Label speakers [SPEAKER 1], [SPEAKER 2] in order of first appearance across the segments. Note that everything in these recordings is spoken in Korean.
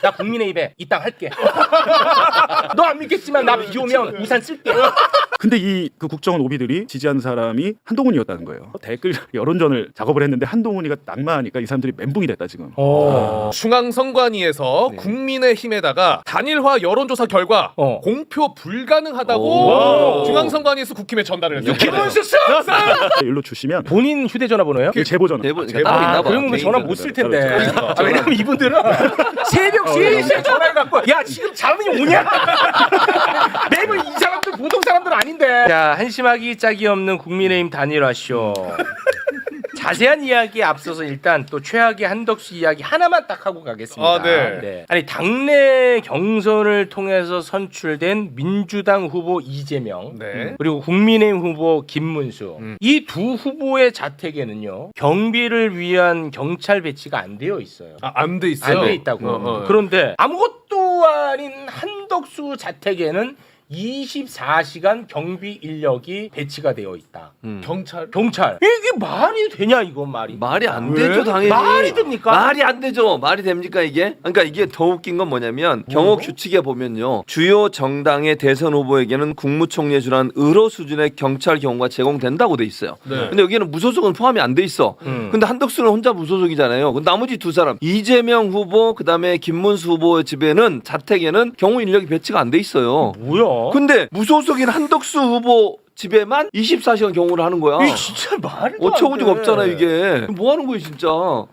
[SPEAKER 1] 나 국민의힘에 이 땅 할게. 너 안 믿겠지만 나 비 오면 우산 쓸게.
[SPEAKER 2] 근데 이 그 국정원 오비들이 지지하는 사람이 한동훈이었다는 거예요. 댓글 여론전을 작업을 했는데 한동훈이가 낙마하니까 이 사람들이 멘붕이 됐다 지금.
[SPEAKER 3] 중앙선관위에서 국민의힘에다가 단일화 여론조사 결과 공표 불가능하다고
[SPEAKER 1] 오.
[SPEAKER 3] 중앙선관위에서 국힘에 전달을 했어요.
[SPEAKER 1] 김문수 씨!
[SPEAKER 2] 일로 주시면
[SPEAKER 1] 본인 휴대전화 번호예요?
[SPEAKER 2] 제보 전화.
[SPEAKER 4] 제보
[SPEAKER 3] 제보
[SPEAKER 4] 있나 봐.
[SPEAKER 1] 그러면 전화 못 쓸 텐데.
[SPEAKER 2] 그렇죠.
[SPEAKER 1] 왜냐면 이분들은 새벽 3시에 전화를 갖고 야 지금 잠이 오냐? 매번 이 사람들 보통 사람들 아닌데. 자, 한심하기 짝이 없는 국민의힘 단일화 쇼. 자세한 이야기에 앞서서 일단 또 최악의 한덕수 이야기 하나만 딱 하고 가겠습니다.
[SPEAKER 3] 아, 네.
[SPEAKER 1] 아니 당내 경선을 통해서 선출된 민주당 후보 이재명
[SPEAKER 3] 네.
[SPEAKER 1] 그리고 국민의힘 후보 김문수 이 두 후보의 자택에는요 경비를 위한 경찰 배치가 안 되어 있어요.
[SPEAKER 3] 안 돼 있어요.
[SPEAKER 1] 안 돼 있다고. 그런데 아무것도 아닌 한덕수 자택에는 24시간 경비 인력이 배치가 되어 있다.
[SPEAKER 3] 경찰.
[SPEAKER 1] 이게 말이 되냐 이건 말이.
[SPEAKER 4] 말이 안
[SPEAKER 3] 왜?
[SPEAKER 4] 되죠 당연히.
[SPEAKER 1] 말이 됩니까?
[SPEAKER 4] 말이 안 되죠. 말이 됩니까 이게? 그러니까 이게 더 웃긴 건 뭐냐면 경호 규칙에 보면요. 주요 정당의 대선 후보에게는 국무총리에 준한 의료 수준의 경찰 경호가 제공된다고 돼 있어요.
[SPEAKER 3] 네.
[SPEAKER 4] 근데 여기는 무소속은 포함이 안 돼 있어. 근데 한덕수는 혼자 무소속이잖아요. 근데 나머지 두 사람 이재명 후보 그다음에 김문수 후보 집에는 자택에는 경호 인력이 배치가 안 돼 있어요.
[SPEAKER 1] 뭐야?
[SPEAKER 4] 근데 무소속인 한덕수 후보 집에만 24시간 경호를 하는 거야.
[SPEAKER 1] 이게 진짜 말이
[SPEAKER 4] 어처구니가 없잖아요 이게. 뭐 하는 거예요 진짜.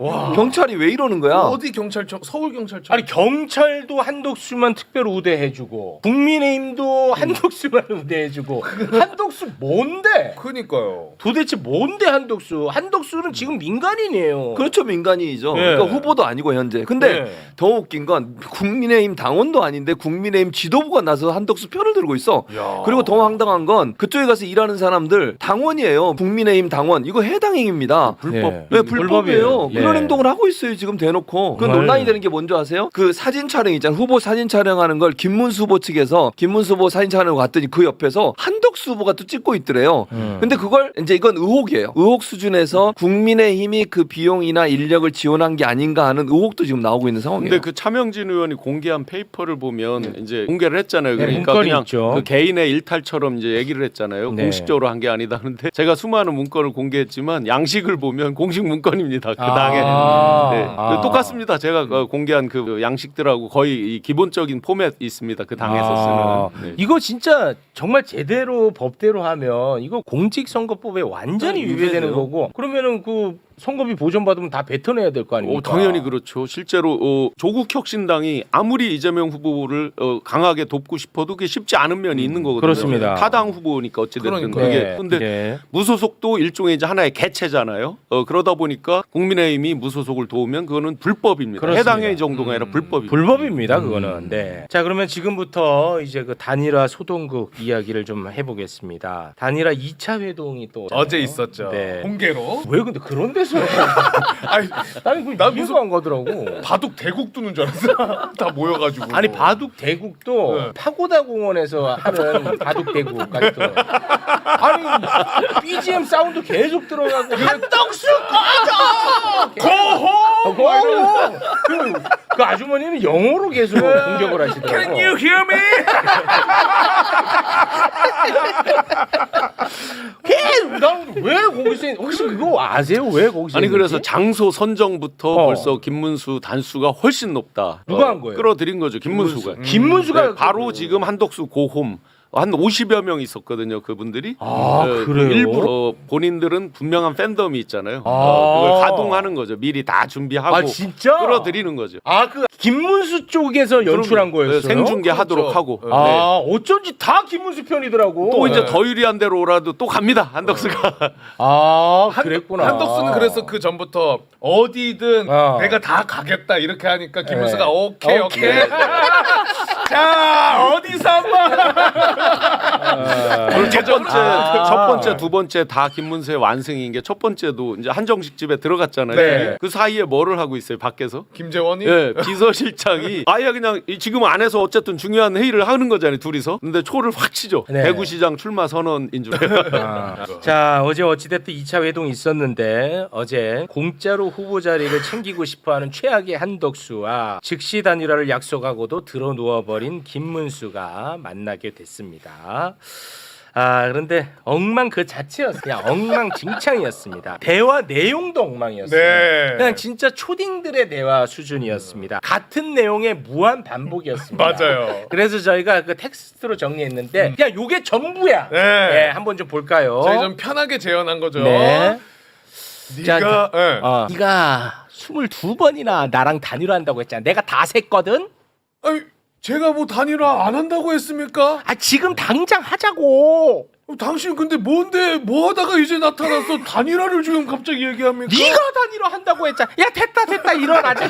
[SPEAKER 4] 경찰이 왜 이러는 거야.
[SPEAKER 3] 어디 경찰청? 서울 경찰청.
[SPEAKER 1] 아니 경찰도 한덕수만 특별 우대해주고 국민의힘도 한덕수만 우대해주고 한덕수 뭔데?
[SPEAKER 3] 그니까요.
[SPEAKER 1] 도대체 뭔데 한덕수? 한덕수는 지금 민간인이에요.
[SPEAKER 4] 그렇죠 민간인이죠.
[SPEAKER 1] 예.
[SPEAKER 4] 그러니까 후보도 아니고 현재. 근데
[SPEAKER 1] 예.
[SPEAKER 4] 더 웃긴 건 국민의힘 당원도 아닌데 국민의힘 지도부가 나서 한덕수 편을 들고 있어.
[SPEAKER 3] 야.
[SPEAKER 4] 그리고 더 황당한 건 그쪽에 가서 일하는 사람들 당원이에요. 국민의힘 당원. 이거 해당 행위입니다.
[SPEAKER 1] 불법.
[SPEAKER 4] 네, 불법이에요.
[SPEAKER 1] 예.
[SPEAKER 4] 그런 행동을 하고 있어요 지금 대놓고. 그
[SPEAKER 1] 정말.
[SPEAKER 4] 논란이 되는 게 뭔지 아세요? 그 사진 촬영 있잖아요. 후보 사진 촬영하는 걸 김문수 후보 측에서 김문수 후보 사진 촬영을 갔더니 그 옆에서 한덕수 후보가 또 찍고 있더래요. 근데 그걸 이제 이건 의혹이에요. 의혹 수준에서 국민의힘이 그 비용이나 인력을 지원한 게 아닌가 하는 의혹도 지금 나오고 있는 상황이에요.
[SPEAKER 5] 근데 그 차명진 의원이 공개한 페이퍼를 보면 이제 공개를 했잖아요.
[SPEAKER 1] 네,
[SPEAKER 5] 그러니까
[SPEAKER 1] 문건이
[SPEAKER 5] 그냥
[SPEAKER 1] 있죠.
[SPEAKER 5] 그 개인의 일탈처럼 이제 얘기를 했잖아요.
[SPEAKER 1] 네.
[SPEAKER 5] 공식적으로 한 게 아니다. 그런데 제가 수많은 문건을 공개했지만 양식을 보면 공식 문건입니다. 그 당에 네. 똑같습니다. 제가 공개한 그 양식들하고 거의 이 기본적인 포맷 있습니다. 그 당에서 쓰는. 네.
[SPEAKER 1] 이거 진짜 정말 제대로 법대로 하면 이거 공직선거법에 완전히 위배되는 거고 그러면은 그 선거비 보전받으면 다 뱉어내야 될 거 아닙니까?
[SPEAKER 5] 당연히 그렇죠. 실제로 조국 혁신당이 아무리 이재명 후보를 강하게 돕고 싶어도 그게 쉽지 않은 면이 있는 거거든요.
[SPEAKER 1] 그렇습니다.
[SPEAKER 5] 타당 후보니까 어찌됐든
[SPEAKER 3] 그러니까.
[SPEAKER 5] 그게.
[SPEAKER 1] 네.
[SPEAKER 5] 근데
[SPEAKER 1] 네.
[SPEAKER 5] 무소속도 일종의 이제 하나의 개체잖아요. 그러다 보니까 국민의힘이 무소속을 도우면 그거는 불법입니다.
[SPEAKER 1] 그렇습니다.
[SPEAKER 5] 해당 행위 정도가 아니라 불법입니다.
[SPEAKER 1] 불법입니다, 그거는. 네. 자, 그러면 지금부터 이제 그 단일화 소동국 이야기를 좀 해보겠습니다. 단일화 2차 회동이 또
[SPEAKER 3] 어제 있었죠.
[SPEAKER 1] 네.
[SPEAKER 3] 공개로.
[SPEAKER 1] 왜 근데 그런 데서?
[SPEAKER 3] 아니,
[SPEAKER 1] 나는 그
[SPEAKER 3] 나
[SPEAKER 1] 이해가
[SPEAKER 3] 무슨-
[SPEAKER 1] 안 가더라고.
[SPEAKER 3] 바둑 대국 두는 줄 알았어. 다 모여가지고.
[SPEAKER 1] 아니 바둑 대국도
[SPEAKER 3] 네.
[SPEAKER 1] 파고다 공원에서 하는 바둑 대국 같은. 아니 BGM 사운드 계속 들어가고 한덕수 꺼져. 고호. 고호. 그 아주머니는 영어로 계속 공격을 하시더라고.
[SPEAKER 3] Can you hear me?
[SPEAKER 1] 왜 거기서 혹시 그거 아세요? 왜 거기서?
[SPEAKER 5] 아니 그래서
[SPEAKER 1] 했는지?
[SPEAKER 5] 장소 선정부터 벌써 김문수 단수가 훨씬 높다.
[SPEAKER 1] 누가 한 거예요?
[SPEAKER 5] 끌어들인 거죠. 김문수가.
[SPEAKER 1] 김문수가
[SPEAKER 5] 네, 바로 지금 한덕수 고홈 한 50여 명 있었거든요. 그분들이.
[SPEAKER 1] 그래요?
[SPEAKER 5] 일부러 본인들은 분명한 팬덤이 있잖아요.
[SPEAKER 1] 아.
[SPEAKER 5] 그걸 가동하는 거죠. 미리 다 준비하고
[SPEAKER 1] 아 진짜?
[SPEAKER 5] 끌어들이는 거죠.
[SPEAKER 1] 그 김문수 쪽에서 연출한 거였어요?
[SPEAKER 5] 네, 생중계하도록
[SPEAKER 3] 그렇죠.
[SPEAKER 5] 하고.
[SPEAKER 3] 네.
[SPEAKER 5] 네.
[SPEAKER 1] 어쩐지 다 김문수 편이더라고.
[SPEAKER 5] 또 이제
[SPEAKER 3] 네.
[SPEAKER 5] 더 유리한 대로 오라도 또 갑니다. 한덕수가.
[SPEAKER 1] 그랬구나.
[SPEAKER 3] 한덕수는 그래서 그 전부터 어디든 내가 다 가겠다 이렇게 하니까 김문수가
[SPEAKER 1] 네.
[SPEAKER 3] 오케이. 자 어디서 한번
[SPEAKER 5] 그리고 첫 번째, 두 번째 다 김문수의 완승인 게 첫 번째도 이제 한정식 집에 들어갔잖아요.
[SPEAKER 3] 네.
[SPEAKER 5] 그 사이에 뭐를 하고 있어요? 밖에서?
[SPEAKER 3] 김재원이
[SPEAKER 5] 예, 비서실장이 아예 그냥 지금 안에서 어쨌든 중요한 회의를 하는 거잖아요, 둘이서. 근데 초를 확 치죠.
[SPEAKER 1] 네.
[SPEAKER 5] 대구시장 출마 선언인 줄.
[SPEAKER 1] 자, 어제 어찌됐든 2차 회동이 있었는데 어제 공짜로 후보 자리를 챙기고 싶어하는 최악의 한덕수와 즉시 단일화를 약속하고도 들어누워버린 김문수가 만나게 됐습니다. 그런데 엉망 그 자체였어요. 그냥 엉망진창이었습니다. 대화 내용도 엉망이었어요.
[SPEAKER 3] 네.
[SPEAKER 1] 그냥 진짜 초딩들의 대화 수준이었습니다. 같은 내용의 무한 반복이었습니다.
[SPEAKER 3] 맞아요.
[SPEAKER 1] 그래서 저희가 그 텍스트로 정리했는데 그냥 요게 전부야.
[SPEAKER 3] 네.
[SPEAKER 1] 네, 한번 좀 볼까요?
[SPEAKER 3] 저희 좀 편하게 재현한 거죠.
[SPEAKER 1] 네.
[SPEAKER 3] 네가 네.
[SPEAKER 1] 네가 22번이나 나랑 단일화한다고 했잖아. 내가 다 셌거든.
[SPEAKER 3] 아니, 제가 뭐 단일화 안 한다고 했습니까?
[SPEAKER 1] 지금 당장 하자고.
[SPEAKER 3] 당신 근데 뭔데 뭐 하다가 이제 나타나서 단일화를 지금 갑자기 얘기합니까?
[SPEAKER 1] 네가 단일화 한다고 했잖아. 야 됐다 일어나자.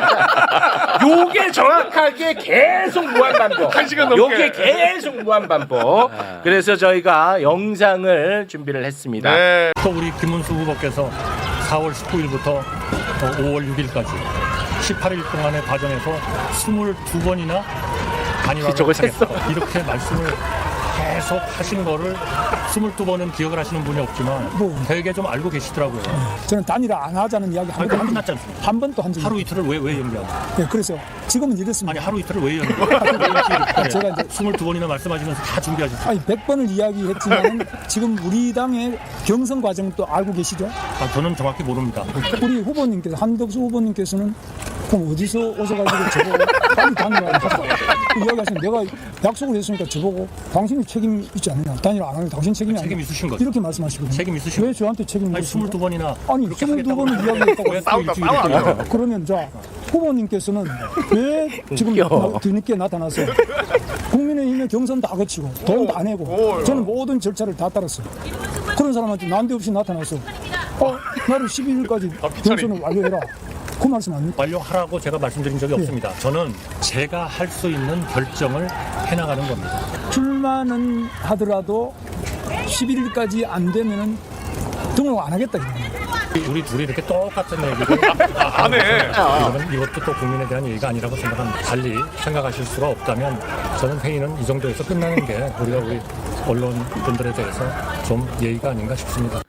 [SPEAKER 1] 요게 정확하게 계속 무한 반복.
[SPEAKER 3] 1시간 넘게.
[SPEAKER 1] 요게 계속 무한 반복. 그래서 저희가 영상을 준비를 했습니다.
[SPEAKER 3] 네.
[SPEAKER 6] 또 우리 김문수 후보께서 4월 19일부터 5월 6일까지 18일 동안의 과정에서 22번이나 단일화를
[SPEAKER 1] 저걸 셌어.
[SPEAKER 6] 하겠다. 이렇게 말씀을 계속 하신 거를 22번은 기억을 하시는 분이 없지만 되게 좀 알고 계시더라고요.
[SPEAKER 7] 저는 단일화 안 하자는 이야기 한
[SPEAKER 6] 그러니까
[SPEAKER 7] 번도
[SPEAKER 6] 끝났지 않습니까?
[SPEAKER 7] 한 번도 한 적이
[SPEAKER 6] 하루 이틀을 왜 연기하고?
[SPEAKER 7] 네, 그래서 지금은 이렇습니다.
[SPEAKER 6] 아니 하루 이틀을 왜 연기하고?
[SPEAKER 7] 제가 이제
[SPEAKER 6] 22번이나 말씀하시면서 다 준비하셨어요.
[SPEAKER 7] 아니 100번을 이야기했지만 지금 우리 당의 경선 과정도 알고 계시죠?
[SPEAKER 6] 저는 정확히 모릅니다.
[SPEAKER 7] 우리 후보님께서 한덕수 후보님께서는 그럼 어디서 오셔가지고 저보고 빨리 단일화 하자 이야기하시면 내가 약속을 했으니까 저보고 당신이 책임 있지 않느냐 단일화 안 하면 당신 책임이 아니냐
[SPEAKER 6] 책임 있으신 거죠.
[SPEAKER 7] 이렇게 말씀하시거든요.
[SPEAKER 6] 책임 있으신
[SPEAKER 7] 왜 저한테 책임을
[SPEAKER 6] 아니
[SPEAKER 7] 묻습니까?
[SPEAKER 6] 22번이나
[SPEAKER 7] 아니 22번을 이야기했다고
[SPEAKER 6] 싸우다
[SPEAKER 7] 그러면 자 후보님께서는 왜 지금 뒤늦게 나타나서 국민의힘의 경선 다 거치고 돈 다 내고 저는 모든 절차를 다 따랐어요. 그런 사람한테 난데없이 나타나서 나를 12일까지 경선을 완료해라. 그 말씀 아닙니까?
[SPEAKER 6] 완료하라고 제가 말씀드린 적이 없습니다. 저는 제가 할 수 있는 결정을 해나가는 겁니다.
[SPEAKER 7] 출마는 하더라도 11일까지 안 되면은 등록 안 하겠다 이거예요.
[SPEAKER 6] 우리 둘이 이렇게 똑같은 얘기를
[SPEAKER 3] 안 해.
[SPEAKER 6] 그러면 이것도 또 국민에 대한 얘기가 아니라고 생각합니다. 달리 생각하실 수가 없다면 저는 회의는 이 정도에서 끝나는 게 우리 언론분들에 대해서 좀 예의가 아닌가 싶습니다.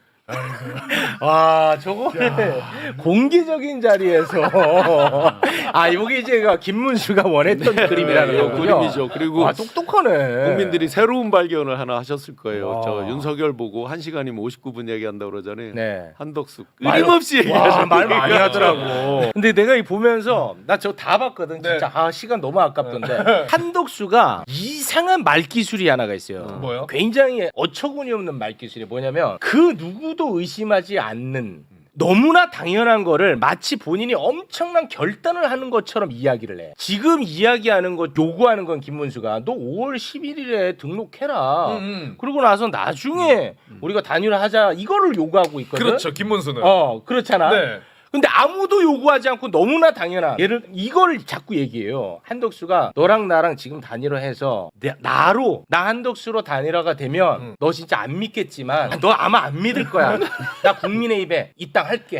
[SPEAKER 1] 저거를 공개적인 자리에서 이게 이제 김문수가 원했던 그림이라는
[SPEAKER 5] 이거
[SPEAKER 1] 거군요.
[SPEAKER 5] 그림이죠. 그리고
[SPEAKER 1] 똑똑하네.
[SPEAKER 5] 국민들이 새로운 발견을 하나 하셨을 거예요.
[SPEAKER 1] 와.
[SPEAKER 5] 저 윤석열 보고 1시간이면 59분 얘기한다고 그러잖아요.
[SPEAKER 1] 네.
[SPEAKER 5] 한덕수 끊임없이 얘기하셨어요.
[SPEAKER 1] 말 많이 하더라고. 근데 내가 이 보면서 나 저거 다 봤거든.
[SPEAKER 3] 네.
[SPEAKER 1] 진짜 시간 너무 아깝던데. 한덕수가 이상한 말기술이 하나가 있어요.
[SPEAKER 3] 뭐요?
[SPEAKER 1] 굉장히 어처구니 없는 말기술이 뭐냐면 그 누구도 의심하지 않는 너무나 당연한 거를 마치 본인이 엄청난 결단을 하는 것처럼 이야기를 해. 지금 이야기하는 것 요구하는 건 김문수가 너 5월 11일에 등록해라. 그러고 나서 나중에 우리가 단일화하자 이거를 요구하고 있거든.
[SPEAKER 3] 그렇죠. 김문수는.
[SPEAKER 1] 그렇잖아.
[SPEAKER 3] 네.
[SPEAKER 1] 근데 아무도 요구하지 않고 너무나 당연한 이걸 자꾸 얘기해요. 한덕수가 너랑 나랑 지금 단일화해서 나 한덕수로 단일화가 되면 너 진짜 안 믿겠지만 너 아마 안 믿을 거야. 나 국민의힘에 이 땅 할게.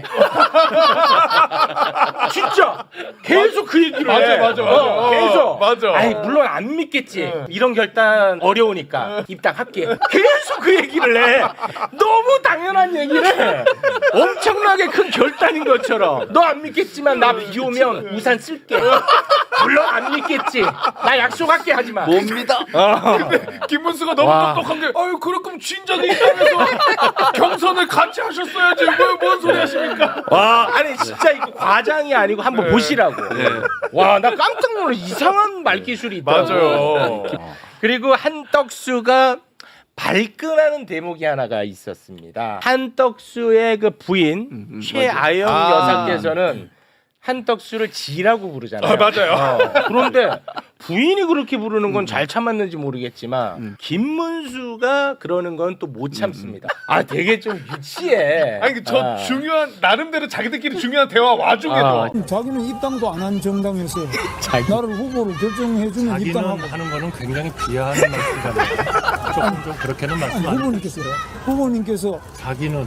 [SPEAKER 1] 진짜 계속 그 얘기를 해.
[SPEAKER 3] 맞아.
[SPEAKER 1] 계속.
[SPEAKER 3] 맞아.
[SPEAKER 1] 아니 물론 안 믿겠지. 이런 결단 어려우니까 입당할게. 계속 그 얘기를 해. 너무 당연한 얘기를 해. 엄청나게 큰 결단인 것처럼. 너 안 믿겠지만 나 비 오면 우산 쓸게. 물론 안 믿겠지. 나 약속할게 하지마.
[SPEAKER 4] 못 믿어.
[SPEAKER 3] 근데 김문수가 너무 똑똑한 게 그럴 거면 진작에 입당해서 경선을 같이 하셨어야지. 뭔 소리 하십니까?
[SPEAKER 1] 아니 진짜 이거 과장이 아니고 한번 보시라고. 와, 나 깜짝 놀라. 이상한 말기술이 있더라고.
[SPEAKER 3] 맞아요.
[SPEAKER 1] 그리고 한덕수가 발끈하는 대목이 하나가 있었습니다. 한덕수의 그 부인 최아영 여사께서는 한덕수를 지라고 부르잖아요.
[SPEAKER 3] 맞아요.
[SPEAKER 1] 그런데 부인이 그렇게 부르는 건 잘 참았는지 모르겠지만 김문수가 그러는 건 또 못 참습니다. 아 되게 좀 유치해.
[SPEAKER 3] 아니 저 중요한 나름대로 자기들끼리 중요한 대화 와중에도
[SPEAKER 7] 자기는 입당도 안 한 정당에서 나를 후보로 결정해주면
[SPEAKER 6] 자기는
[SPEAKER 7] 입당하고.
[SPEAKER 6] 하는 거는 굉장히 비하하는 말씀이잖아요. 조금 좀 그렇게는 말씀 안 해요.
[SPEAKER 7] 후보님께서
[SPEAKER 6] 자기는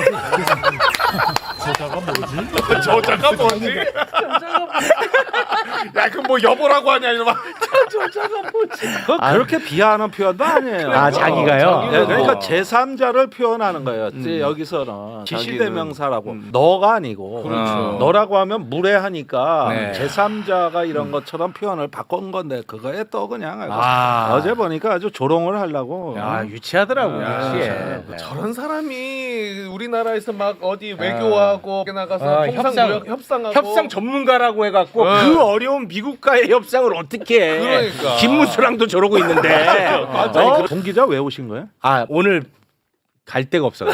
[SPEAKER 6] 저자가 뭐지?
[SPEAKER 3] 저자가 뭐지? 야 그럼 뭐 여보라고 하냐 이러면
[SPEAKER 8] 그렇게 비하하는 표현도 아니에요.
[SPEAKER 1] 아, 자기가요?
[SPEAKER 8] 네, 그러니까 제3자를 표현하는 거예요. 이제 여기서는 지시대명사라고 너가 아니고 너라고 하면 무례하니까
[SPEAKER 1] 네.
[SPEAKER 8] 제3자가 이런 것처럼 표현을 바꾼 건데 그거에 또 그냥
[SPEAKER 1] 아.
[SPEAKER 8] 어제 보니까 아주 조롱을 하려고.
[SPEAKER 1] 야 유치하더라고 유치해.
[SPEAKER 3] 저런 사람이 우리나라에서 막 어디 외교하고 나가서 협상하고
[SPEAKER 1] 협상 전문가라고 해갖고 그 어려운 미국과의 협상을 어떻게 해?
[SPEAKER 3] 그러니까.
[SPEAKER 1] 김문수랑도 저러고 있는데.
[SPEAKER 8] 아니, 동기자 왜 오신 거예요?
[SPEAKER 1] 아 오늘 갈 데가 없어.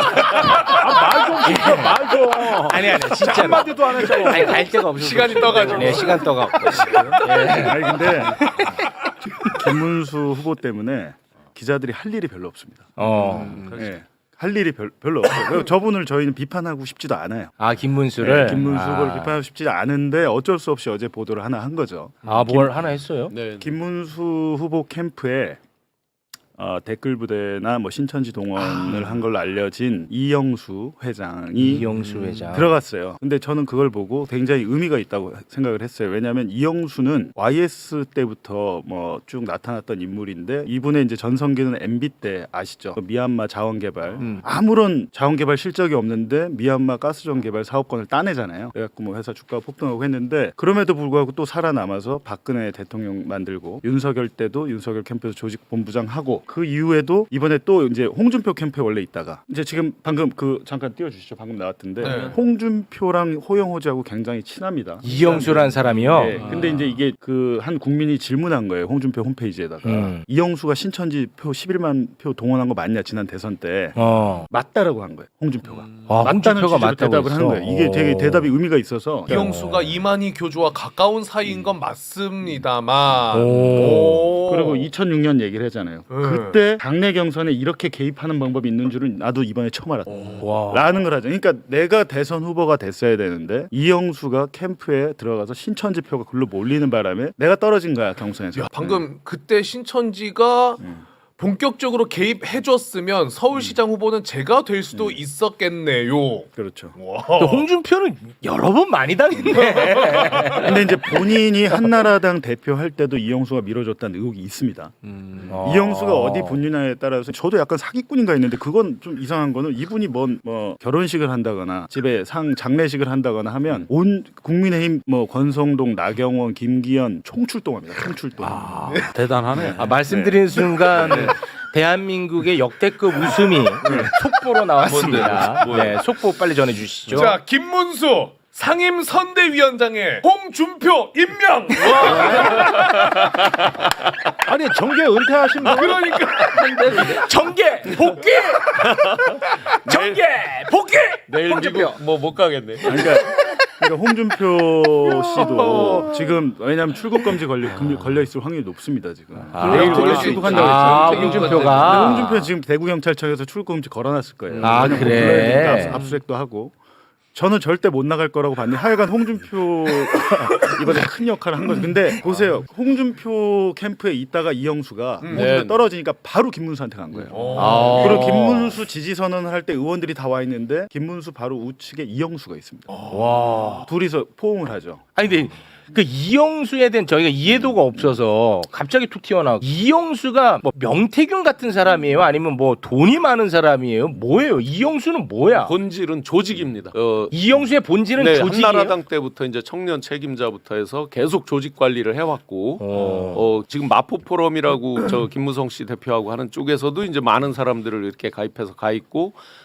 [SPEAKER 8] 말 좀.
[SPEAKER 1] 아니 진짜
[SPEAKER 8] 한마디도 안 했잖아.
[SPEAKER 1] 아니 갈 데가 없어.
[SPEAKER 3] 시간이 떠가지고.
[SPEAKER 1] 네 시간 떠갖고.
[SPEAKER 2] 아니 근데 김문수 후보 때문에 기자들이 할 일이 별로 없습니다. 네, 할 일이 별로 없어요. 그리고 저분을 저희는 비판하고 싶지도 않아요.
[SPEAKER 1] 아 김문수를.
[SPEAKER 2] 네, 김문수 후보를 비판하고 싶지 않은데 어쩔 수 없이 어제 보도를 하나 한 거죠.
[SPEAKER 1] 아뭘 하나 했어요?
[SPEAKER 5] 네.
[SPEAKER 2] 김문수 후보 캠프에 댓글 부대나 뭐 신천지 동원을 한 걸로 알려진 이영수 회장이
[SPEAKER 1] 이영수 회장.
[SPEAKER 2] 들어갔어요. 근데 저는 그걸 보고 굉장히 의미가 있다고 생각을 했어요. 왜냐하면 이영수는 YS 때부터 뭐 쭉 나타났던 인물인데 이분의 이제 전성기는 MB 때 아시죠? 그 미얀마 자원개발 아무런 자원개발 실적이 없는데 미얀마 가스전 개발 사업권을 따내잖아요. 그래갖고 뭐 회사 주가가 폭등하고 했는데 그럼에도 불구하고 또 살아남아서 박근혜 대통령 만들고 윤석열 때도 윤석열 캠프에서 조직본부장하고 그 이후에도 이번에 또 이제 홍준표 캠프에 원래 있다가 이제 지금 방금 그 잠깐 띄워주시죠. 방금 나왔던데
[SPEAKER 3] 네.
[SPEAKER 2] 홍준표랑 호영호재하고 굉장히 친합니다.
[SPEAKER 1] 이영수라는 사람이요.
[SPEAKER 2] 네, 근데 이제 이게 그 한 국민이 질문한 거예요. 홍준표 홈페이지에다가 이영수가 신천지 표 11만 표 동원한 거 맞냐 지난 대선 때 맞다라고 한 거예요. 홍준표가 맞다는
[SPEAKER 1] 홍준표가
[SPEAKER 2] 취지로
[SPEAKER 1] 맞다고
[SPEAKER 2] 대답을 한
[SPEAKER 1] 했어.
[SPEAKER 2] 거예요. 이게 되게 대답이 의미가 있어서
[SPEAKER 3] 이영수가 이만희 교주와 가까운 사이인 건 맞습니다만
[SPEAKER 2] 그리고 2006년 얘기를 하잖아요. 그때 당내 경선에 이렇게 개입하는 방법이 있는 줄은 나도 이번에 처음 알았다. 라는 걸 하죠. 그러니까 내가 대선 후보가 됐어야 되는데 이영수가 캠프에 들어가서 신천지 표가 글로 몰리는 바람에 내가 떨어진 거야 경선에서.
[SPEAKER 3] 야, 방금 그때 신천지가 본격적으로 개입해줬으면 서울시장 후보는 제가 될 수도 있었겠네요.
[SPEAKER 2] 그렇죠.
[SPEAKER 1] 또 홍준표는 여러 번 많이 당했네.
[SPEAKER 2] 근데 이제 본인이 한나라당 대표할 때도 이영수가 밀어줬다는 의혹이 있습니다. 이영수가 어디 분류냐에 따라서 저도 약간 사기꾼인가 했는데 그건 좀 이상한 거는 이분이 뭐 결혼식을 한다거나 집에 장례식을 한다거나 하면 온 국민의힘 뭐 권성동, 나경원, 김기현 총출동합니다. 총출동.
[SPEAKER 8] 대단하네.
[SPEAKER 1] 말씀드린 순간 대한민국의 역대급 웃음이 속보로 나왔습니다. 네, 속보 빨리 전해주시죠.
[SPEAKER 3] 자, 김문수 상임 선대위원장에 홍준표 임명.
[SPEAKER 8] 아니 정계 은퇴하신 분
[SPEAKER 3] 그러니까
[SPEAKER 1] 정계 복귀. 정계 복귀.
[SPEAKER 5] 내일 미국 뭐 못 가겠네.
[SPEAKER 2] 그러니까 홍준표 씨도 지금 왜냐하면 출국 금지 걸려 있을 확률이 높습니다 지금. 내일 원래 출국한다고 했죠.
[SPEAKER 1] 홍준표가.
[SPEAKER 2] 근데 홍준표 지금 대구 경찰청에서 출국 금지 걸어놨을 거예요.
[SPEAKER 1] 아,
[SPEAKER 2] 뭐
[SPEAKER 1] 그래?
[SPEAKER 2] 불러야 되니까 압수수색도 하고. 저는 절대 못 나갈 거라고 봤는데 하여간 홍준표 이번에 큰 역할을 한 거죠. 근데 보세요. 홍준표 캠프에 있다가 이영수가 홍준표 떨어지니까 바로 김문수한테 간 거예요. 그리고 김문수 지지 선언을 할 때 의원들이 다 와 있는데 김문수 바로 우측에 이영수가 있습니다. 둘이서 포옹을 하죠.
[SPEAKER 1] 아니 근데 그 이영수에 대한 저희가 이해도가 없어서 갑자기 툭 튀어나오고 이영수가 뭐 명태균 같은 사람이에요? 아니면 뭐 돈이 많은 사람이에요? 뭐예요? 이영수는 뭐야?
[SPEAKER 5] 본질은 조직입니다.
[SPEAKER 1] 이영수의 본질은
[SPEAKER 5] 네,
[SPEAKER 1] 조직이에요?
[SPEAKER 5] 한나라당 때부터 이제 청년 책임자부터 해서 계속 조직 관리를 해왔고 지금 마포 포럼이라고 저 김무성 씨 대표하고 하는 쪽에서도 이제 많은 사람들을 이렇게 가입해서 가 있고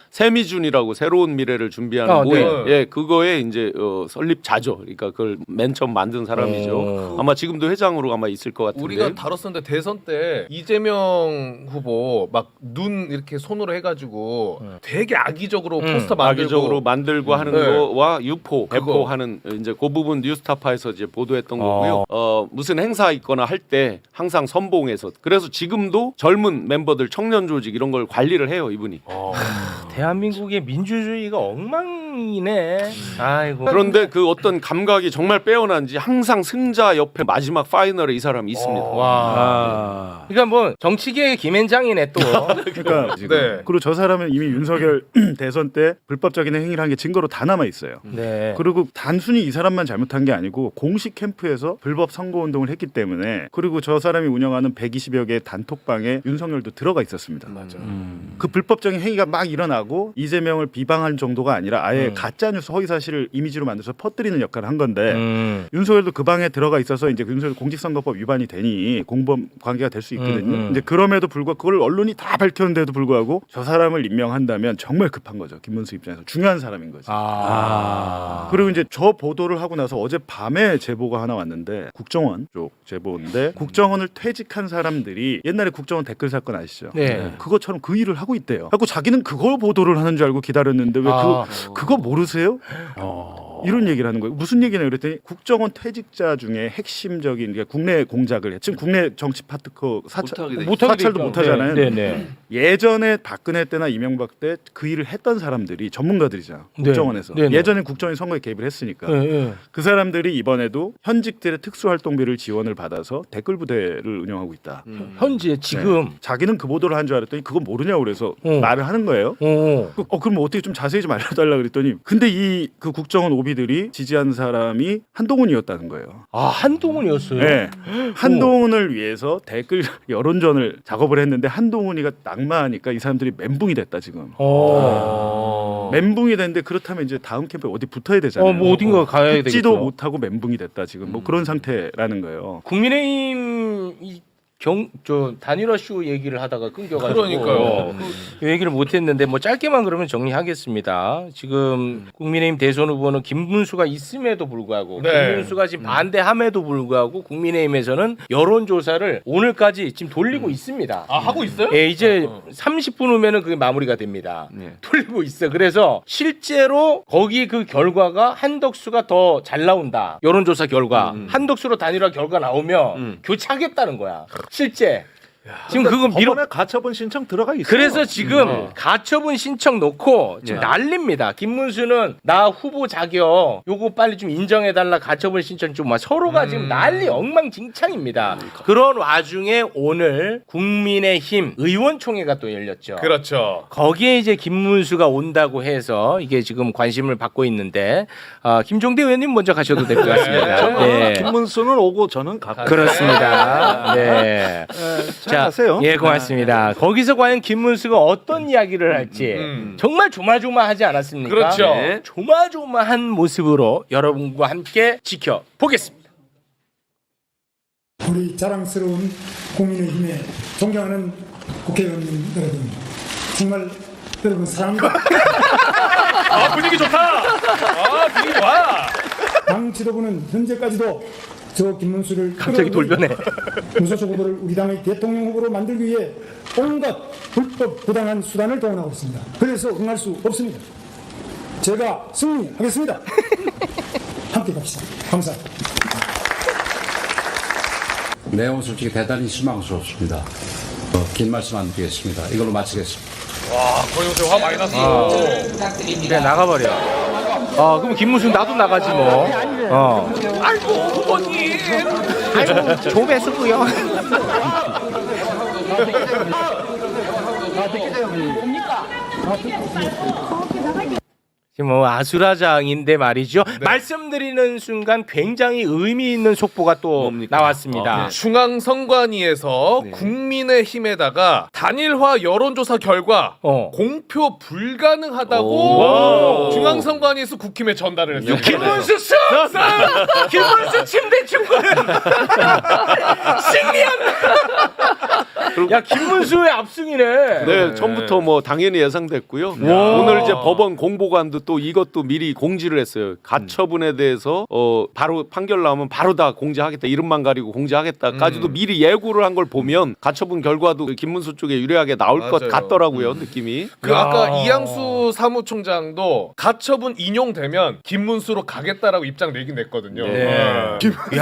[SPEAKER 5] 세미준이라고 새로운 미래를 준비하는
[SPEAKER 1] 아,
[SPEAKER 5] 모임.
[SPEAKER 1] 네.
[SPEAKER 5] 예, 그거에 이제 설립자죠. 그러니까 그걸 맨 처음 만든 사람이죠. 아마 지금도 회장으로 아마 있을 것 같은데.
[SPEAKER 3] 우리가 다뤘었는데 대선 때 이재명 후보 막 눈 이렇게 손으로 해가지고 되게 악의적으로 포스터 만들고
[SPEAKER 5] 악의적으로 만들고 하는
[SPEAKER 3] 네.
[SPEAKER 5] 거와 유포,
[SPEAKER 3] 그거.
[SPEAKER 5] 배포하는 이제 그 부분 뉴스타파에서 이제 보도했던 거고요. 무슨 행사 있거나 할 때 항상 선봉해서 그래서 지금도 젊은 멤버들 청년 조직 이런 걸 관리를 해요 이분이.
[SPEAKER 1] 대한민국의 민주주의가 엉망이네. 아이고.
[SPEAKER 5] 그런데 그 어떤 감각이 정말 빼어난지 항상 승자 옆에 마지막 파이널에 이 사람이 있습니다.
[SPEAKER 1] 와. 그러니까 뭐 정치계의 김앤장이네 또.
[SPEAKER 2] 그러니까 지금
[SPEAKER 3] 네.
[SPEAKER 2] 그리고 저 사람은 이미 윤석열 대선 때 불법적인 행위를 한 게 증거로 다 남아 있어요.
[SPEAKER 1] 네.
[SPEAKER 2] 그리고 단순히 이 사람만 잘못한 게 아니고 공식 캠프에서 불법 선거 운동을 했기 때문에 그리고 저 사람이 운영하는 120여 개의 단톡방에 윤석열도 들어가 있었습니다.
[SPEAKER 3] 맞아.
[SPEAKER 2] 그 불법적인 행위가 막 일어나고 이재명을 비방할 정도가 아니라 아예 가짜 뉴스 허위 사실을 이미지로 만들어서 퍼뜨리는 역할을 한 건데 윤석열도 그 방에 들어가 있어서 이제 윤석열 공직선거법 위반이 되니 공범 관계가 될 수 있거든요. 이제 그럼에도 불구하고 그걸 언론이 다 밝혔는데도 불구하고 저 사람을 임명한다면 정말 급한 거죠. 김문수 입장에서 중요한 사람인 거죠. 그리고 이제 저 보도를 하고 나서 어제 밤에 제보가 하나 왔는데 국정원 쪽 제보인데 국정원을 퇴직한 사람들이 옛날에 국정원 댓글 사건 아시죠?
[SPEAKER 1] 네.
[SPEAKER 2] 그것처럼 그 일을 하고 있대요. 하고 자기는 그걸 보도를 하는 줄 알고 기다렸는데 왜 그거 모르세요? 이런 얘기를 하는 거예요. 무슨 얘기냐 그랬더니 국정원 퇴직자 중에 핵심적인 그러니까 국내 공작을 해. 지금 국내 정치 파트커 사찰도 못하잖아요.
[SPEAKER 1] 네, 네.
[SPEAKER 2] 예전에 박근혜 때나 이명박 때 그 일을 했던 사람들이 전문가들이잖아. 국정원에서.
[SPEAKER 1] 네, 네.
[SPEAKER 2] 예전에 국정원이 선거에 개입을 했으니까.
[SPEAKER 1] 네, 네.
[SPEAKER 2] 그 사람들이 이번에도 현직들의 특수활동비를 지원을 받아서 댓글 부대를 운영하고 있다.
[SPEAKER 1] 현재 지금.
[SPEAKER 2] 네. 자기는 그 보도를 한 줄 알았더니 그거 모르냐고 그래서 말을 하는 거예요. 그럼 어떻게 좀 자세히 좀 알려달라 그랬더니 근데 이 그 국정원 오비들이 지지한 사람이 한동훈이었다는 거예요.
[SPEAKER 1] 아, 한동훈이었어요.
[SPEAKER 2] 네. 한동훈을 위해서 댓글 여론전을 작업을 했는데 한동훈이가 낙마하니까 이 사람들이 멘붕이 됐다 지금. 멘붕이 됐는데 그렇다면 이제 다음 캠프에 어디 붙어야 되잖아요.
[SPEAKER 1] 뭐 어딘가 가야 되겠죠.
[SPEAKER 2] 붙지도 못하고 멘붕이 됐다 지금. 뭐 그런 상태라는 거예요.
[SPEAKER 1] 국민의힘 저 단일화 쇼 얘기를 하다가 끊겨가지고
[SPEAKER 3] 그러니까요.
[SPEAKER 1] 그 얘기를 못했는데 뭐 짧게만 그러면 정리하겠습니다. 지금 국민의힘 대선 후보는 김문수가 있음에도 불구하고
[SPEAKER 3] 네.
[SPEAKER 1] 김문수가 지금 반대함에도 불구하고 국민의힘에서는 여론조사를 오늘까지 지금 돌리고 있습니다.
[SPEAKER 3] 아 하고 있어요?
[SPEAKER 1] 예, 이제 30분 후면은 그게 마무리가 됩니다. 돌리고 있어. 그래서 실제로 거기 그 결과가 한덕수가 더 잘 나온다. 여론조사 결과 한덕수로 단일화 결과 나오면 교체하겠다는 거야. 실제. 지금 그거
[SPEAKER 8] 법원에 가처분 신청 들어가 있어요.
[SPEAKER 1] 그래서 지금 가처분 신청 놓고 지금 난립니다. 김문수는 나 후보 자격 요거 빨리 좀 인정해달라 가처분 신청 좀 서로가 지금 난리 엉망진창입니다. 그런 와중에 오늘 국민의힘 의원총회가 또 열렸죠.
[SPEAKER 3] 그렇죠.
[SPEAKER 1] 거기에 이제 김문수가 온다고 해서 이게 지금 관심을 받고 있는데 김종대 의원님 먼저 가셔도 될 것 같습니다. 네.
[SPEAKER 8] 김문수는 오고 저는 가고.
[SPEAKER 1] 그렇습니다. 네.
[SPEAKER 8] 자, 가세요.
[SPEAKER 1] 예, 고맙습니다. 거기서 과연 김문수가 어떤 이야기를 할지 정말 조마조마하지 않았습니까?
[SPEAKER 3] 그렇죠.
[SPEAKER 1] 네. 조마조마한 모습으로 여러분과 함께 지켜보겠습니다.
[SPEAKER 7] 우리 자랑스러운 국민의힘에 존경하는 국회의원 여러분, 정말 여러분 사랑합니다.
[SPEAKER 3] 아 분위기 좋다. 아 분위기 와.
[SPEAKER 7] 당 지도부는 현재까지도 저 김문수를
[SPEAKER 1] 갑자기 돌변해.
[SPEAKER 7] 무소속 후보를 우리 당의 대통령 후보로 만들기 위해 온갖 불법 부당한 수단을 동원하고 있습니다. 그래서 응할 수 없습니다. 제가 승리하겠습니다. 함께 갑시다. 감사합니다.
[SPEAKER 9] 내용은 솔직히 대단히 실망스럽습니다. 긴 말씀 안 드리겠습니다. 이걸로 마치겠습니다.
[SPEAKER 3] 와 거의 요새 화 많이 났어.
[SPEAKER 1] 그냥 나가버려. 그럼 김문수 나도 나가지 뭐. 아이고 후보님. 아이고 조배수고요. 지금 뭐 아수라장인데 말이죠. 말씀드리는 순간 굉장히 의미 있는 속보가 또 나왔습니다.
[SPEAKER 3] 중앙선관위에서 국민의힘에다가 단일화 여론조사 결과 공표 불가능하다고 중앙선관위에서 국힘에 전달을 했어요.
[SPEAKER 1] 김문수 승! 김문수 침대 축구는 승리한다. 야 김문수의 압승이네.
[SPEAKER 5] 네, 처음부터 뭐 당연히 예상됐고요. 오늘 이제 법원 공보관도 또 이것도 미리 공지를 했어요. 가처분에 대해서 바로 판결 나오면 바로 다 공지하겠다. 이름만 가리고 공지하겠다까지도 미리 예고를 한 걸 보면 가처분 결과도 김문수 쪽에 유리하게 나올 것
[SPEAKER 3] 맞아요.
[SPEAKER 5] 같더라고요. 느낌이.
[SPEAKER 3] 그 아까 이양수 사무총장도 가처분 인용되면 김문수로 가겠다라고 입장 내긴 냈거든요.
[SPEAKER 1] 네.
[SPEAKER 3] 김문수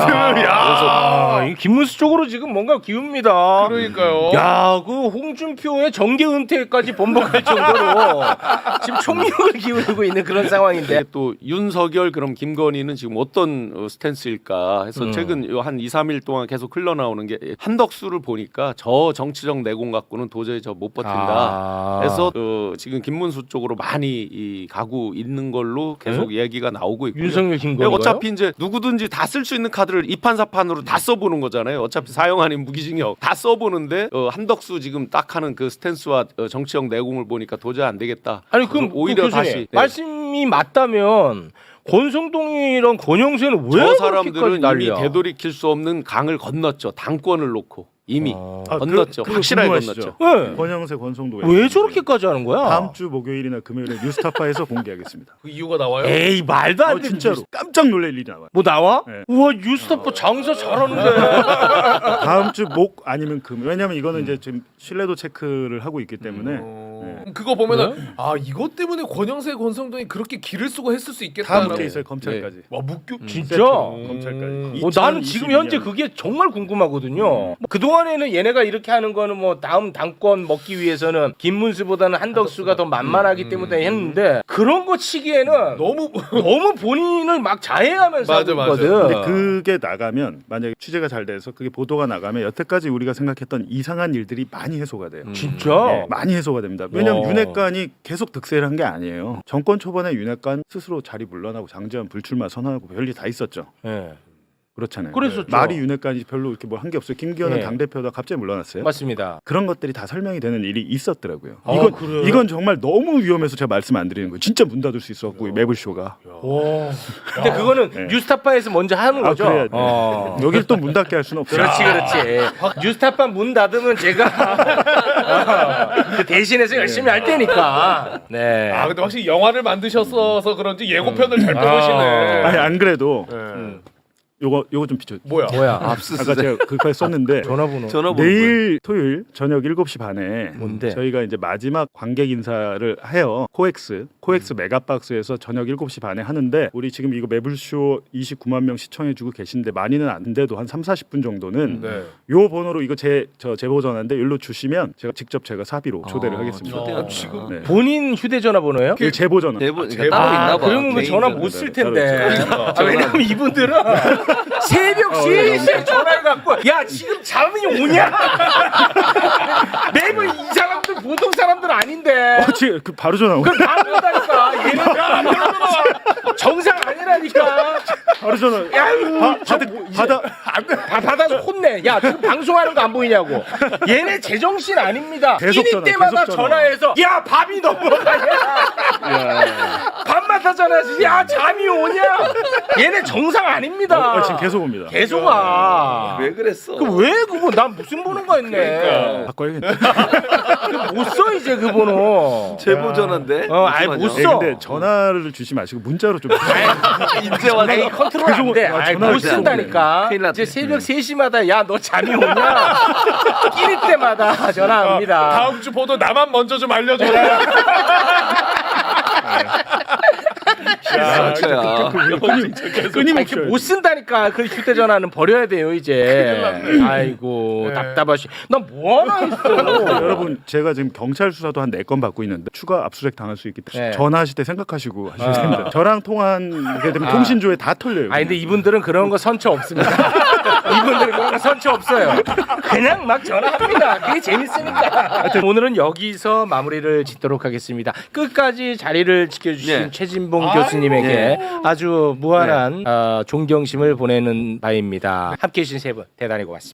[SPEAKER 1] 이 김문수 쪽으로 지금 뭔가 기웁니다.
[SPEAKER 3] 그러니까요.
[SPEAKER 1] 야, 그 홍준표의 정계 은퇴까지 번복할 정도로 지금 총력을 기울이고 있는 그런 상황인데.
[SPEAKER 5] 또 윤석열 그럼 김건희는 지금 어떤 스탠스일까 해서 최근 한 2, 3일 동안 계속 흘러나오는 게 한덕수를 보니까 저 정치적 내공 갖고는 도저히 저 못 버틴다. 해서 지금 김문수 쪽으로 많이 가고 있는 걸로 계속 얘기가 나오고 있고요.
[SPEAKER 1] 윤석열 김건희
[SPEAKER 5] 어차피 이제 누구든지 다 쓸 수 있는 카드를 이판사판으로 다 써보는 거잖아요. 어차피 사형 아닌 무기징역 다 써보는데 한덕수 지금 딱 하는 그 스탠스와 정치적 내공을 보니까 도저히 안 되겠다.
[SPEAKER 1] 아니 그럼
[SPEAKER 5] 오히려
[SPEAKER 1] 교수님,
[SPEAKER 5] 다시
[SPEAKER 1] 말씀이 맞다면 권성동이랑 권영세는 왜
[SPEAKER 5] 저
[SPEAKER 1] 그렇게까지
[SPEAKER 5] 사람들은 이미
[SPEAKER 1] 난리야?
[SPEAKER 5] 되돌이킬 수 없는 강을 건넜죠. 당권을 놓고 이미
[SPEAKER 2] 아,
[SPEAKER 5] 건넜죠.
[SPEAKER 2] 그거
[SPEAKER 5] 확실하게
[SPEAKER 2] 궁금하시죠?
[SPEAKER 5] 건넜죠.
[SPEAKER 1] 네.
[SPEAKER 2] 권영세 권성도
[SPEAKER 1] 왜 저렇게까지 하는 거야?
[SPEAKER 2] 다음 주 목요일이나 금요일에 뉴스타파에서 공개하겠습니다.
[SPEAKER 3] 그 이유가 나와요?
[SPEAKER 1] 에이 말도 안 돼.
[SPEAKER 2] 진짜로 깜짝 놀랄 일이 나와요.
[SPEAKER 1] 뭐 나와?
[SPEAKER 2] 네.
[SPEAKER 1] 우와 뉴스타파 장사 잘하는데.
[SPEAKER 2] 다음 주 목 아니면 금. 왜냐면 이거는 이제 지금 신뢰도 체크를 하고 있기 때문에 네.
[SPEAKER 3] 그거 보면은 아 이것 때문에 권영세 권성동이 그렇게 길을 쓰고 했을 수
[SPEAKER 2] 다
[SPEAKER 3] 있겠다라고.
[SPEAKER 2] 묶여 있어요 검찰까지.
[SPEAKER 3] 와 묶여
[SPEAKER 1] 진짜?
[SPEAKER 2] 검찰까지.
[SPEAKER 1] 나는 지금 현재 그게 정말 궁금하거든요. 뭐 그동안에는 얘네가 이렇게 하는 거는 뭐 다음 당권 먹기 위해서는 김문수보다는 한덕수가 더 만만하기 때문에 했는데 그런 거 치기에는
[SPEAKER 3] 너무
[SPEAKER 1] 너무 본인을 막 자해하면서
[SPEAKER 3] 맞아,
[SPEAKER 1] 하고
[SPEAKER 3] 맞아.
[SPEAKER 1] 있거든.
[SPEAKER 2] 근데 그게 나가면 만약에 취재가 잘 돼서 그게 보도가 나가면 여태까지 우리가 생각했던 이상한 일들이 많이 해소가 돼요.
[SPEAKER 1] 진짜?
[SPEAKER 2] 네, 많이 해소가 됩니다. 왜냐하면
[SPEAKER 1] 와.
[SPEAKER 2] 윤핵관이 계속 득세를 한 게 아니에요. 정권 초반에 윤핵관 스스로 자리 물러나고 장제원 불출마 선언하고 별일 다 있었죠.
[SPEAKER 1] 네.
[SPEAKER 2] 그렇잖아요.
[SPEAKER 1] 그랬었죠.
[SPEAKER 2] 말이 윤핵관이 별로 이렇게 뭐 한 게 없어요. 김기현은
[SPEAKER 1] 네.
[SPEAKER 2] 당대표다 갑자기 물러났어요.
[SPEAKER 1] 맞습니다.
[SPEAKER 2] 그런 것들이 다 설명이 되는 일이 있었더라고요.
[SPEAKER 1] 아, 그래요?
[SPEAKER 2] 이건 정말 너무 위험해서 제가 말씀 안 드리는 거예요. 진짜 문 닫을 수 있었고 매불쇼가.
[SPEAKER 1] 근데 그거는
[SPEAKER 2] 네.
[SPEAKER 1] 뉴스타파에서 먼저 하는 거죠.
[SPEAKER 2] 그래야 돼. 여기를 또 문 닫게 할 수는 없어요.
[SPEAKER 1] 그렇지. 뉴스타파 문 닫으면 제가 그 대신해서 열심히 할 테니까. 네.
[SPEAKER 3] 아 근데 확실히 영화를 만드셔서 그런지 예고편을 잘 뽑으시네.
[SPEAKER 2] 아니 안 그래도
[SPEAKER 3] 네.
[SPEAKER 2] 요거 좀 비춰.
[SPEAKER 3] 뭐야?
[SPEAKER 2] 아까 제가 그까지 썼는데
[SPEAKER 1] 전화번호.
[SPEAKER 2] 내일 토요일 저녁 7시 반에
[SPEAKER 1] 뭔데?
[SPEAKER 2] 저희가 이제 마지막 관객 인사를 해요. 코엑스 메가박스에서 저녁 7시 반에 하는데 우리 지금 이거 매불쇼 29만 명 시청해 주고 계신데 많이는 안 돼도 한 3-40분 정도는
[SPEAKER 3] 네.
[SPEAKER 2] 요 번호로 이거 제 제보 전화인데 일로 주시면 제가 사비로 초대를 하겠습니다.
[SPEAKER 3] 지금
[SPEAKER 2] 네.
[SPEAKER 1] 본인 휴대전화 번호예요?
[SPEAKER 2] 이거 제보 전화.
[SPEAKER 4] 대본 따로 있나 봐.
[SPEAKER 1] 그러면 그
[SPEAKER 4] 개인
[SPEAKER 1] 전화
[SPEAKER 4] 전화.
[SPEAKER 1] 못 쓸 텐데.
[SPEAKER 2] 그러니까.
[SPEAKER 1] 왜냐면 이분들은 새벽 3시에 전화를 갖고 야 지금 잠이 오냐? 매번 이 사람들 보통 사람들 아닌데.
[SPEAKER 2] 지금 그 바로 전화.
[SPEAKER 1] 그럼 바로 온다니까. 얘는 정상 아니라니까.
[SPEAKER 2] 바로 전화.
[SPEAKER 1] 야, 받아서 혼내. 야, 지금 방송하는 거 안 보이냐고. 얘네 제정신 아닙니다.
[SPEAKER 2] 계속
[SPEAKER 1] 끼니
[SPEAKER 2] 전화,
[SPEAKER 1] 때마다
[SPEAKER 2] 계속 전화.
[SPEAKER 1] 전화해서 야, 밥이 넘어가냐. 밤마다 전화해서 야, 잠이 오냐. 얘네 정상 아닙니다.
[SPEAKER 2] 지금 계속 옵니다.
[SPEAKER 1] 계속 와.
[SPEAKER 4] 왜 그랬어?
[SPEAKER 1] 왜 그거 난 무슨 번호가 했네.
[SPEAKER 2] 바꿔야겠다.
[SPEAKER 1] 못 써 이제 그 번호.
[SPEAKER 4] 제보 전화인데.
[SPEAKER 1] 아이 못
[SPEAKER 2] 네,
[SPEAKER 1] 써.
[SPEAKER 2] 근데 전화를 주지 마시고 문자로 좀.
[SPEAKER 4] 이제 와서
[SPEAKER 1] 에이 컨트롤 안 돼. 아이,
[SPEAKER 2] 전화를
[SPEAKER 1] 못 쓴다니까.
[SPEAKER 4] 큰일 났네.
[SPEAKER 1] 이제 새벽 3시마다 야 너 잠이 오냐? 끼리 때마다 전화합니다.
[SPEAKER 3] 다음 주 보도 나만 먼저 좀 알려줘라.
[SPEAKER 4] 진짜야.
[SPEAKER 1] 이렇게 못 쓴다니까. 그 휴대전화는 버려야 돼요 이제. 아이고 답답하시. 나 뭐 하나 했어.
[SPEAKER 2] 여러분 제가 지금 경찰 수사도 한 4건 받고 있는데 추가 압수수색 당할 수 있기 때문에
[SPEAKER 1] 네.
[SPEAKER 2] 전화하실 때 생각하시고 하셔야 됩니다. 저랑 통화하게 되면 통신조에 다 털려요.
[SPEAKER 1] 아 근데 이분들은 그런 거 선처 없습니다. 이분들은 그런 거 선처 없어요. 그냥 막 전화합니다. 그게 재밌으니까. 하여튼 오늘은 여기서 마무리를 짓도록 하겠습니다. 끝까지 자리를 지켜주신
[SPEAKER 4] 네.
[SPEAKER 1] 최진봉 교수님에게 아주 무한한 존경심을 보내는 바입니다. 함께해 주신 세 분 대단히 고맙습니다.